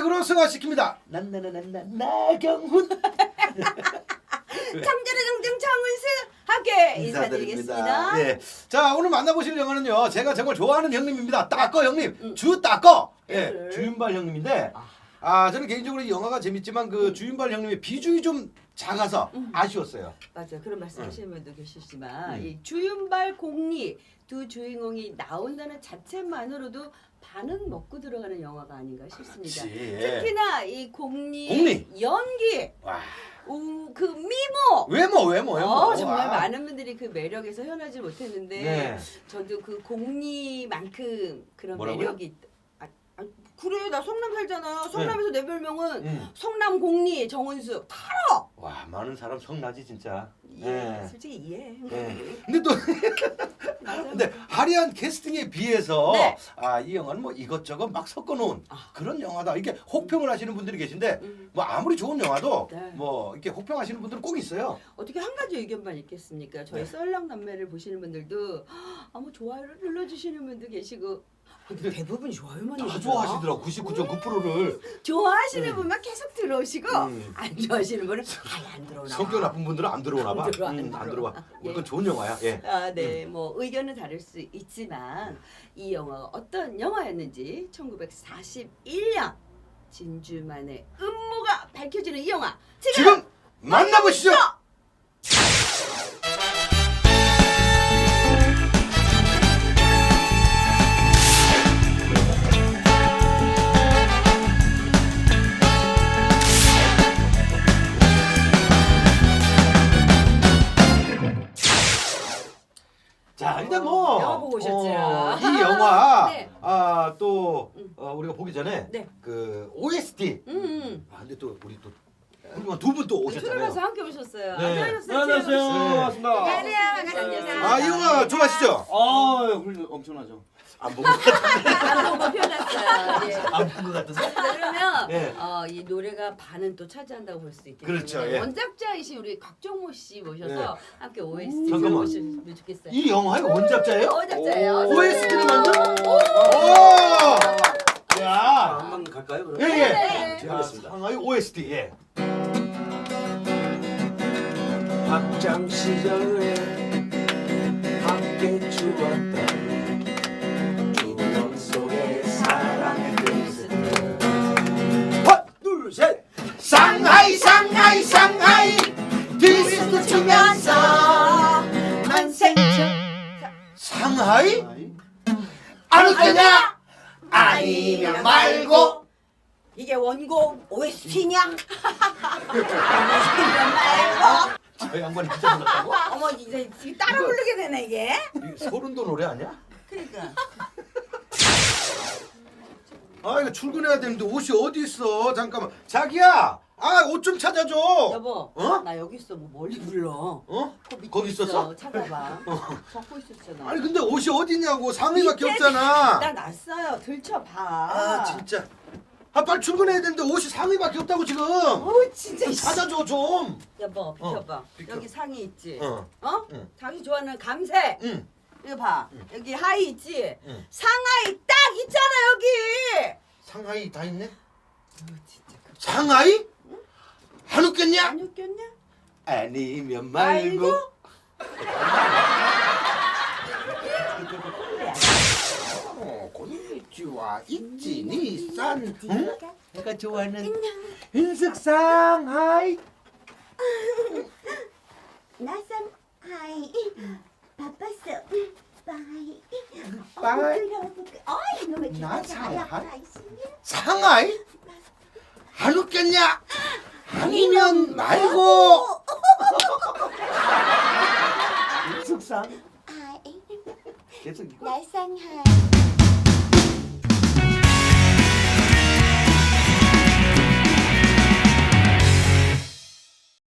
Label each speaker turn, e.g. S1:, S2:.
S1: 음악으로 승화시킵니다. 나경훈.
S2: 청자르정정 정은수 함께 인사드리겠습니다.
S1: 예. 자, 오늘 만나보실 영화는요. 제가 정말 좋아하는 형님입니다. 따꺼 형님. 주 따꺼. 예. 주윤발 형님인데 저는 개인적으로 이 영화가 재밌지만 그 주윤발 형님의 비중이 좀 작아서 아쉬웠어요.
S2: 맞아요. 그런 말씀하시는 분도 계시지만 이 주윤발 공리 두 주인공이 나온다는 자체만으로도 반은 먹고 들어가는 영화가 아닌가 싶습니다.
S1: 그치, 예.
S2: 특히나 이 공리 연기,
S1: 와.
S2: 그 미모,
S1: 외모.
S2: 정말
S1: 아.
S2: 많은 분들이 그 매력에서 현하지 못했는데
S1: 네.
S2: 저도 그 공리만큼 그런
S1: 뭐라고요?
S2: 매력이 있다. 그래 나 성남 살잖아. 성남에서 내 별명은 성남 공리 정은수.
S1: 와, 많은 사람 성나지 진짜.
S2: 예, 솔직히 이해해.
S1: 근데 또
S2: 맞아요.
S1: 근데 화려한 캐스팅에 비해서
S2: 네.
S1: 이 영화는 뭐 이것저것 막 섞어놓은 그런 영화다. 이렇게 혹평을 하시는 분들이 계신데 뭐 아무리 좋은 영화도
S2: 네.
S1: 뭐 이렇게 혹평하시는 분들은 꼭 있어요.
S2: 어떻게 한 가지 의견만 있겠습니까? 저희 썰렁남매를 보시는 분들도 뭐 좋아요를 눌러주시는 분도 계시고 근데 대부분 좋아요만
S1: 다
S2: 누르더라.
S1: 좋아하시더라고. 99.9%를.
S2: 좋아하시는 분만 계속 들어오시고 안 좋아하시는 분은 안 들어오나 봐.
S1: 성격 나쁜 분들은 안 들어오나 봐. 안 들어와.
S2: 예.
S1: 그건 좋은 영화야. 예.
S2: 네, 뭐 의견은 다를 수 있지만 이 영화가 어떤 영화였는지 1941년 진주만의 음모가 밝혀지는 이 영화
S1: 지금 만나보시죠. 자, 일단 뭐
S2: 영화 보고 오셨죠?
S1: 이 영화
S2: 네.
S1: 또 우리가 보기 전에
S2: 네.
S1: 그 OST. 근데 또 우리 또 훌륭한 두 분 또
S2: 초대해서
S1: 오셨잖아요.
S2: 함께 오셨어요.
S1: 네.
S2: 안녕하세요.
S3: 안녕하세요. 반갑습니다.
S2: 안녕하세요.
S1: 이 영화 좋아하시죠?
S3: 엄청나죠.
S1: 안 본 것 같은데.
S2: 안보고 표현했어요. 예.
S1: 안 본 것 같은데.
S2: 그러면
S1: 네.
S2: 이 노래가 반은 또 차지한다고 볼 수 있겠네요.
S1: 그렇죠, 예.
S2: 원작자이신 우리 각종모 씨 모셔서
S1: 네.
S2: 함께 OST
S1: 잠깐만.
S2: 들어보시면 좋겠어요.
S1: 이 영화의 원작자예요?
S2: 원작자예요.
S1: OST를 만든? 오! 야.
S3: 한번 갈까요? 그럼?
S1: 예, 예.
S2: 네.
S1: 자,
S3: 하겠습니다.
S1: 상하이 OST. 예.
S3: 학창 시절에 함께 추었던 추억 속에 사랑의 글쓰들 하나 둘 셋
S1: 상하이 디스코 추면서
S2: 만생처
S1: 상하이? 안 웃겠냐? 아니면 말고.
S2: 이게 원곡 OST냐? 말고.
S1: 저 양반이 진짜 몰랐다고?
S2: 어머 이제 따라 부르게 되네 이게.
S1: 소름도 노래 아니야?
S2: 그러니까.
S1: 이거 출근해야 되는데 옷이 어디 있어? 잠깐만. 자기야. 옷 좀 찾아줘.
S2: 여보. 나 여기 있어. 뭐 멀리 불러.
S1: 어?
S2: 그 밑에
S1: 거기 있었어?
S2: 찾아봐. 적고 있었잖아.
S1: 아니 근데 옷이 어디냐고. 상의밖에
S2: 밑에
S1: 없잖아.
S2: 나 났어요. 들춰봐.
S1: 진짜. 빨리 출근해야 되는데 옷이 상의밖에 없다고 지금.
S2: 진짜.
S1: 좀 찾아줘 좀.
S2: 여보 비켜봐.
S1: 비켜.
S2: 여기 상의 있지.
S1: 응. 응.
S2: 자기 좋아하는 감색.
S1: 응.
S2: 이거 봐. 여기 하의 있지.
S1: 응.
S2: 상하이 딱 있잖아 여기.
S1: 상하이 다 있네.
S2: 진짜.
S1: 상하이? 안 웃겠냐?
S2: 안 웃겼냐?
S1: 아니면 말고. 곤니치와 있지 니산. 응? 내가 좋아하는 은색 상하이.
S4: 나선 하이 바빴어 바이
S1: 바이.
S4: 어이 놈의
S1: 나
S4: 기다려
S1: 상하이? 상하이? 안 웃겠냐? 아니면 말고. 은색상.
S4: 하이
S1: 계속 이거.
S4: 나선 하이